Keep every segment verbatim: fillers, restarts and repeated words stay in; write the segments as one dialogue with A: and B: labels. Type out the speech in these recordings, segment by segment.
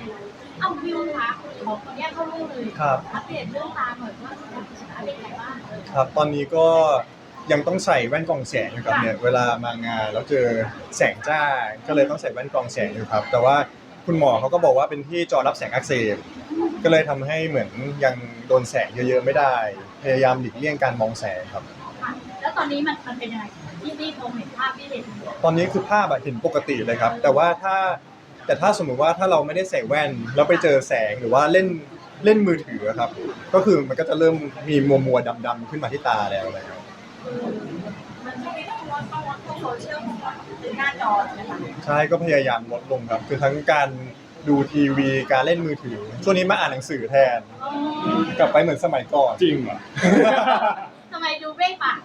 A: เอาวิวคะขอขออนุญาตเข้าเรื่องเลย
B: ครับ
A: อัปเดตเรื่องตาหน่อยว่าเป็นไงบ้าง
B: ครับตอนนี้ก็ยังต้องใส่แว่นกรองแสงอยู่ครับเนี่ยเวลามางานแล้วเจอแสงจ้าก็เลยต้องใส่แว่นกรองแสงอยู่ครับแต่ว่าคุณหมอเขาก็บอกว่าเป็นที่จอรับแสงอักเสบก็เลยทำให้เหมือนยังโดนแสงเยอะๆไม่ได้พยายามหลีกเลี่ยงการมองแสงครับ
A: ค่ะแล้วตอนนี้มันมันเป็นยังไงที่ที่ผมเห็นภาพที่เห็น
B: ตอนนี้คือภาพอะเห็นปกติเลยครับแต่ว่าถ้าแต่ถ้าสมมุติว่าถ้าเราไม่ได้ใส่แว่นแล้วไปเจอแสงหรือว่าเล่นเล่นมือถือครับก็คือมันก็จะเริ่มมีมัวมัวดำดำๆขึ้นมาที่ตาแล้วอะไรครับ
A: มันช่วงนี้ต้องวัดต้องวัดต้องโซเชียลหรือหน้าจอใช่ไหมคะ
B: ใช่ก็พยายามลดลงครับคือทั้งการดูทีวีการเล่นมือถือช่วงนี้มาอ่านหนังสือแทน
A: อ๋อก
B: ลับไปเหมือนสมัยก่อน
C: จริงเหรอ
A: ทำไมดูเบ้งปาก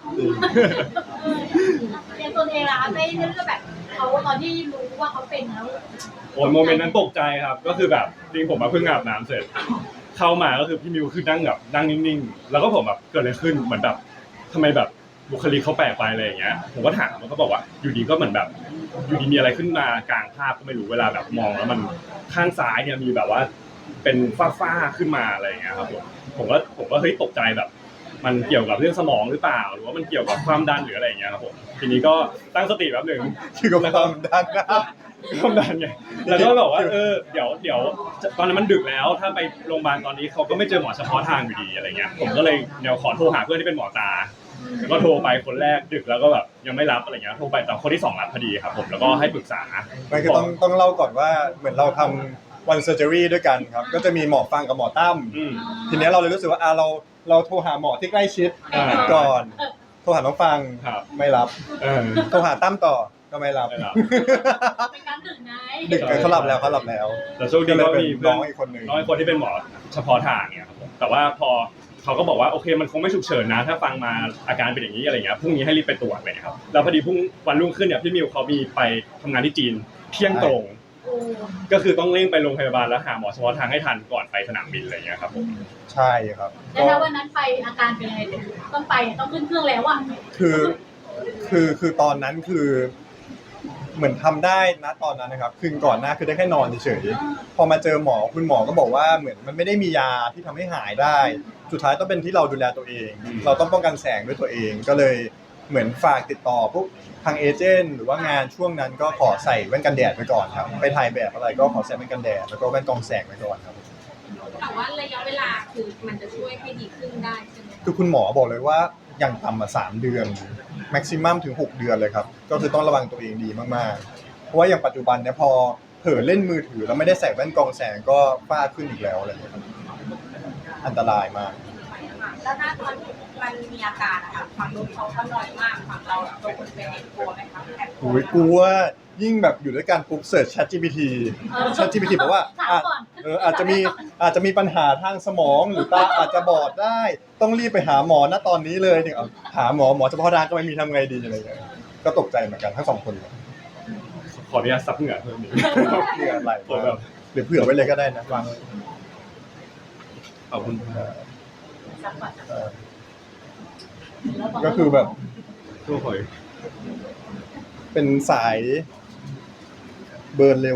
A: เรียนตัวเองล่ะคะไม่เรื่องแบบเขาตอนที่รู้ว่าเขาเป็นแล้ว
C: โอ้ยโมเมนต์นั้นตกใจครับก็คือแบบจริงผมมาเพิ่งอาบน้ำเสร็จ เข้ามาก็คือพี่มิวคือนั่งแบบนั่งนิ่งๆแล้วก็ผมแบบเกิดอะไรขึ้นเหมือนแบบทำไมแบบบุคลิกเขาแปลกไปอะไรอย่างเงี้ยผมก็ถามมันก็บอกว่าอยู่ดีก็เหมือนแบบอยู่ดีมีอะไรขึ้นมากลางภาพก็ไม่รู้เวลาแบบมองแล้วมันข้างซ้ายเนี่ยมีแบบว่าเป็นฝ้าๆขึ้นมาอะไรอย่างเงี้ยครับผมผมก็ผมก็เฮ้ยตกใจแบบ มันเกี่ยวกับเรื่องสมองหรือเปล่าหรือว่ามันเกี่ยวกับความดันหรืออะไรอย่างเงี้ยครับผมทีนี้ก็ตั้งสติแป๊บหนึ่ง
B: คือกับความดันนะ
C: ความดันไงแล้วก็บอกว่าเออเดี๋ยวเดี๋ยวตอนนั้นมันดึกแล้วถ้าไปโรงพยาบาลตอนนี้เขาก็ไม่เจอหมอเฉพาะทางอยู่ดีอะไรเงี้ยผมก็เลยเดี๋ยวขอโทรหาเพื่อนที่เป็นหมอตาแล้วก็โทรไปคนแรกดึกแล้วก็แบบยังไม่รับอะไรเงี้ยโทรไปแต่คนที่สองรับพอดีครับผมแล้วก็ให้ปรึกษา
B: ไม่คือต้องต้องเล่าก่อนว่าเหมือนเราทำวันเซอร์เจอรี่ด้วยกันครับก็จะมีหมอฟังกับหมอตั้ม
C: อืม
B: ทีเนี้ยเราเลยรู้สึกว่าอ่ะเราเราโทรหาหมอที่ใกล้ชิด
C: อ่า
B: ก่อนโทรหาน้องฟัง
C: ครับ
B: ไม่รับ
C: เออ
B: โทรหาตั้มต่อก็ไม่รับ
C: ไม่รับ
A: เป็นการดึกไง
B: ดึกเขาหลับแล้วเขาหลับแล้ว
C: แต่โชคดีก็มีเพื่
B: น้
C: อ
B: อน งอีกคนหนึ่ง
C: น้องอีกคนที่เป็นหมอเฉพาะทางเนี่ยครับผมแต่ว่าพอเขาก็บอกว่าโอเคมันคงไม่ฉุกเฉินนะ ถ้าฟังมาอาการเป็นอย่างนี้อะไรเงี้ยพรุ่งนี้ให้รีบไปตรวจเลยครับแล้วพอดีพรุ่งวันรุ่งขึ้นเนี่ยพี่มิวเขามีไปทำงานที่จีนเที่ยงตรง
A: โอ้
C: ก็คือต้องเร่งไปโรงพยาบาลแล้วหาหมอเฉพาะทางให้ทันก่อนไปสนามบินอะไรเงี้ยครับผม
B: ใช่ครับ
A: แล้วถ้าวันนั้นไปอาการเป็นยังไงต้องไปต้องขึ้นเครื่องแล้วอ่ะ
B: คือคือคือตอนนั้นคือเหมือนทำได้นะตอนนั้นนะครับคืนก่อนหน้าคือได้แค่นอนเฉยๆพอมาเจอหมอคุณหมอก็บอกว่าเหมือนมันไม่ได้มียาที่ทำให้หายได้ สุดท้ายต้องเป็นที่เราดูแลตัวเอง เราต้องป้องกันแสงด้วยตัวเองก็เลยเหมือนฝากติดต่อพวกทางเอเจนต์หรือว่างานช่วงนั้นก็ขอใส่แว่นกันแดดไปก่อนครับไปถ่ายแบบอะไรก็ขอใส่แว่นกันแดดแล้วก็แว่นกรองแสงไปก่อนครับ
D: แต่ว่าระยะเวลาคือมันจะช่วยให้ดีขึ้นได้ใช่ไหม
B: คือคุณหมอบอกเลยว่าอย่างต่ำมาสามเดือนแม็กซิมัมถึงหกเดือนเลยครับก็คือต้องระวังตัวเองดีมากๆเพราะว่าอย่างปัจจุบันเนี่ยพอเผลอเล่นมือถือแล้วไม่ได้ใส่แว่นกรองแสงก็ฝ้าขึ้นอีกแล้วอะไรอย่างเงี้ยครับอันตรายมาก
D: แล้วถ้าตอนมันมีอาการอะค่ะฝั่งนู้นเขาก็น้อยมากฝั่งเราตัวคนเป็นเองกลัวไหมคะแอบกลั
B: โอ้
D: วย
B: กลัวยิ่งแบบอยู่ด้วยกันปุ๊บเสิร์ช ChatGPT ChatGPT บอกว่าอ่ะเอออาจจะมีอาจจะมีปัญหาทางสมองหรือตาอาจจะบอดได้ ต้องรีบไปหาหมอณตอนนี้เลยเนี่ยเอาหาหมอหมอเฉพาะทางก็ไม่มีทำไงดีอะไรอย่างเงี้ยก็ตกใจเหมือนกันทั้งสองคนเลย
C: ขออนุญาตซับเหงื่อเพิ่มนิด
B: เผื่ออะไร
C: ผมแบบ
B: หรือเผื่อไว้เลยก็ได้นะวางไว้
C: ขอบคุณ
B: เออก็คือแบบ
C: ทุกคน
B: เป็นสายเบิร์นเร็ว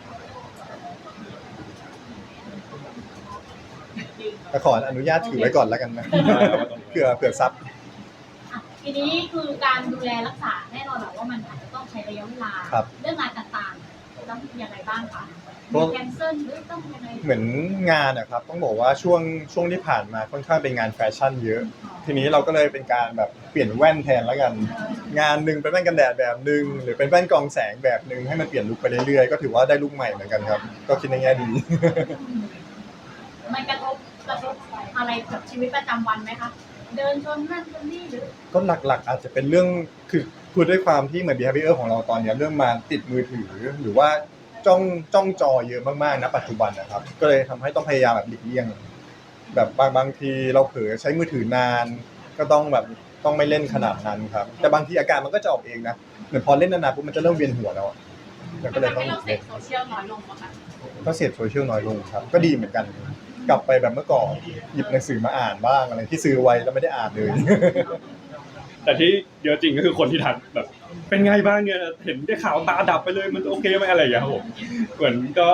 B: แต่ขออนุญาตถือไว้ก่อนแล้วกันนะเผื่อเผื่อซับ
A: อ่ะทีนี้คือการดูแลรักษาแน่นอนแหละว่ามันอาจจะต้องใช้ระยะเวลา
B: ครับ
A: เรื่องงานต่างๆต้องยังไงบ้างคะ
B: ก็
A: มีแคนเซิลหรือต้องยังไง
B: เหมือนงานนะครับต้องบอกว่าช่วงช่วงที่ผ่านมาค่อนข้างเป็นงานแฟชั่นเยอะ ทีนี้เราก็เลยเป็นการแบบเปลี่ยนแว่นแทนแล้วกัน งานหนึ่งเป็นแว่นกันแดดแบบหนึ่งหรือเป็นแว่นกรองแสงแบบหนึ่งให้มันเปลี่ยนลุคไปเรื่อยๆก็ถือว่าได้ลุคใหม่เหมือนกันครับ ก็คิดในแง่ดี
A: มันกระทบกระทบอะไรกับชีวิตประจำวันไหมคะเดินชนนั่นชนนี่หรือ
B: ก็หลักๆอาจจะเป็นเรื่องคือคือด้วยความที่เหมือน behavior ของเราตอนนี้เริ่มมาติดมือถือหรือว่าจ้องจ้องจอเยอะมากๆนะปัจจุบันนะครับ ก็เลยทำให้ต้องพยายามแบบหลีกเลี่ยง แบบบางบางทีเราเผลอใช้มือถือนาน ก็ต้องแบบต้องไม่เล่นขนาดนั้นครับ แต่บางทีอาการมันก็จะออกเองนะเหมือนพอเล่นนานๆปุ๊บมันจะเริ่มเวียนหัวแล้วอะแล้วก็เลยต้อง
D: ให้เราเสพโซเชียลน้อยลงป่ะคะ
B: ก็เสพโซเชียลน้อยลงครับ ก็ดีเหมือนกัน กลับไปแบบเมื่อก่อนหยิบหนังสือมาอ่านบ้างอะไรที่ซื้อไว้แล้วไม่ได้อ่านเลย
C: แต่ที่เยอะจริงก็คือคนที่ทักแบบเป็นไงบ้างเนี่ยเห็นได้ข่าวตาดับไปเลยมันโอเคไหมอะไรอย่างเงี้ยครับผมเหมือนก็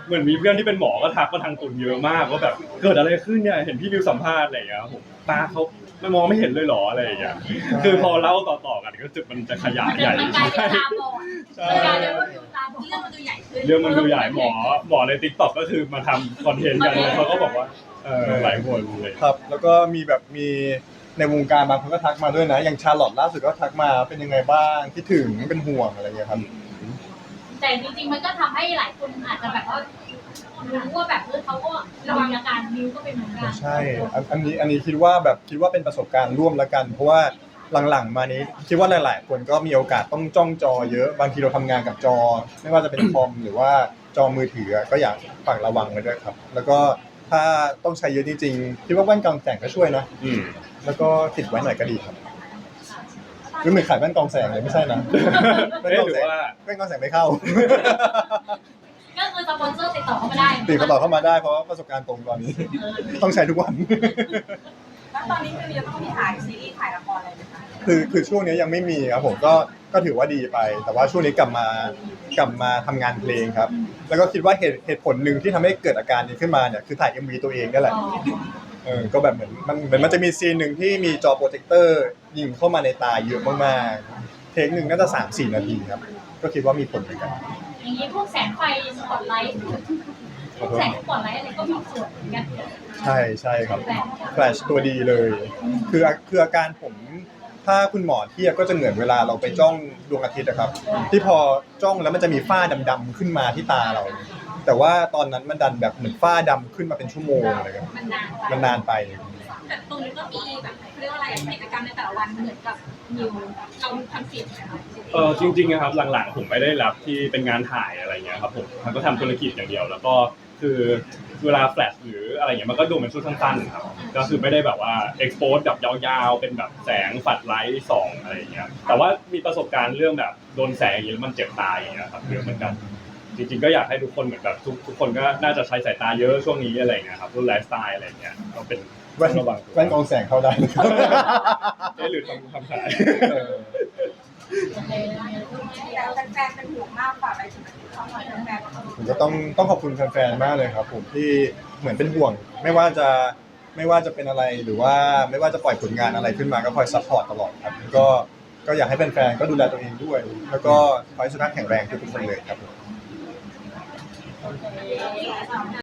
C: เหมือนมีเพื่อนที่เป็นหมอก็ทักมาทางตุนเยอะมากว่าแบบเกิดอะไรขึ้นเนี่ยเห็นพี่มิวสัมภาษณ์อะไรอย่างเงี้ยผมตาเขาไม่มองไม่เห็นเลยหรออะไรอย่างเงี้ยคือพอเล่าต่อๆกันก็จุดมันจะขยายใหญ่
A: มันกลายเป็นตาบอด
C: ใช่
A: มันกลายเป็นว่าดูตาบอด
D: เรื่องมันดูใหญ่ขึ้น
C: เรื่องมันดูใหญ่หมอหมอในติ๊กต็อกก็คือมาทำคอนเทนต์กันแล้วเขาก็บอกว่าเออหลายคนเลย
B: ครับ แล้วก็มีแบบมีในวงการบางคนก็ทักมาด้วยนะ อย่างชาร์ลอตล่าสุดก็ทักมาเป็นยังไงบ้างคิดถึงเป็นห่วงอะไรเงี้ยครับ
A: แต่จริงๆมันก็ทำให้หลายคนอาจจะแบบว่ารู้ว่าแบบเออเขาก็ระวังอาการนิ้วก็เป็นเหมือนกัน
B: ใช่อันอันนี้อันนี้คิดว่าแบบคิดว่าเป็นประสบการณ์ร่วมละกัน เพราะว่าหลังๆมานี้คิดว่าหลายๆ คนก็มีโอกาสต้องจ้องจอเยอะบางทีเราทำงานกับจอ ไม่ว่าจะเป็นคอมหรือว่าจอมือถือก็อยากฝากระวังไว้ด้วยครับ แล้วก็ถ้าต้องใช้เยอะจริงๆคิดว่าแว่นกรองแสงก็ช่วยนะ
C: อืม
B: แล้วก็ติดไว้หน่อยก็ดีครับหรือเหมือนขายแว่นกรองแสงเลยไม่ใช่นะแว่น
C: เอ๊ะ
B: กรอง
C: หรื
B: แส
C: อง ว่า
B: แว่นกรองแสงไม่เข้า
A: ก็คือสปอนเซอร์ติดต่อเข้ามาได้
B: ติดต่อเข้ามาได้เพราะว่าประสบการณ์ตรงตอนนี้
A: เออ
B: ต้องใช้ทุกวัน
D: แล้วตอนนี้คือจะต้องมีถ่ายซีรีส์ถ่ายละครอะไรไหมคะ
B: คือคือช่วงนี้ยังไม่มีครับผมก็ก็ถือว่าดีไป แต่ว่าช่วงนี้กลับมากลับมาทำงานเพลงครับ แล้วก็คิดว่าเหตุเหตุผลหนึ่งที่ทำให้เกิดอาการนี้ขึ้นมาเนี่ยคือถ่าย เอ็ม วี ตัวเองนั่นแหละ
A: อ๋อ
B: เออก็แบบเหมือนมันเหมือนมันจะมีซีนหนึ่งที่มีจอโปรเจคเตอร์ยิงเข้ามาในตาเยอะมากๆเทคหนึ่งน่าจะสามสี่นาทีครับก็คิดว่ามีผลเหมือนกัน
A: อย่างนี้พวกแสงไฟสปอตไลท์พวกแสงสปอตไลท์อะไรก็มีส่วนเหมือนกัน
B: ใช่ใช่ครับแฟลชตัวดีเลย คือคืออาการผมถ้าคุณหมอเทียบก็จะเหมือนเวลาเราไปจ้องดวงอาทิตย์นะครับ ที่พอจ้องแล้วมันจะมีฝ้าดำๆขึ้นมาที่ตาเรา แต่ว่าตอนนั้นมันดันแบบเหมือนฝ้าดำขึ้นมาเป็นชั่วโมงอะไรครับ
A: มันนานไป
B: มันนานไป
D: แต่ตรงนี้ก็มีแบบเขาเรียกว่าอะไรอะกิจกรรมในแต่ละวันเหมือนกับนิวเราทำเสียงไหมคะ
C: เออจริงๆนะครับหลังๆผมไม่ได้รับที่เป็นงานถ่ายอะไรเงี้ยครับผมมันก็ทำธุรกิจอย่างเดียว แล้วก็คือเวลาแฟลชหรืออะไรเงี้ยมันก็ดูเป็นชุดสั้นๆครับก็คือไม่ได้แบบว่าเอ็กโพสแบบยาวๆเป็นแบบแสงฝัดไลท์ส่องอะไรอย่างเงี้ยแต่ว่ามีประสบการณ์เรื่องแบบโดนแสงอย่างเงี้ยแล้วมันเจ็บตาอย่างเงี้ยครับเยอะเหมือนกันจริงๆก็อยากให้ทุกคนเหมือนแบบทุกทุกคนก็น่าจะใช้สายตาเยอะช่วงนี้อะไรเงี้ยครับรุ่นไลฟ์สไตล์อะไรเงี้ยก็เป็น
B: แว่น
C: ระวังตัว
B: แว่นกรองแสงเข้าได้นะครับ
C: เอ๊ะหรือทำทำขาย
B: เออ
A: โอเค
D: แล้วแฟนๆเป็นห่วงมากกว่าอะไรถึงเขาหน่อยแฟนๆ
B: ผมก็ต้องต้องขอบคุณแฟนๆ มากเลยครับผมที่เหมือนเป็นห่วง ไม่ว่าจะไม่ว่าจะเป็นอะไรหรือว่าไม่ว่าจะปล่อยผลงานอะไรขึ้นมาก็คอยซัพพอร์ตตลอดครับก็ก็อยากให้แฟนๆ ก็ดูแลตัวเองด้วย แล้วก็ขอให้สุขภาพแข็งแรงทุกๆคนเลยครับ
A: โอเค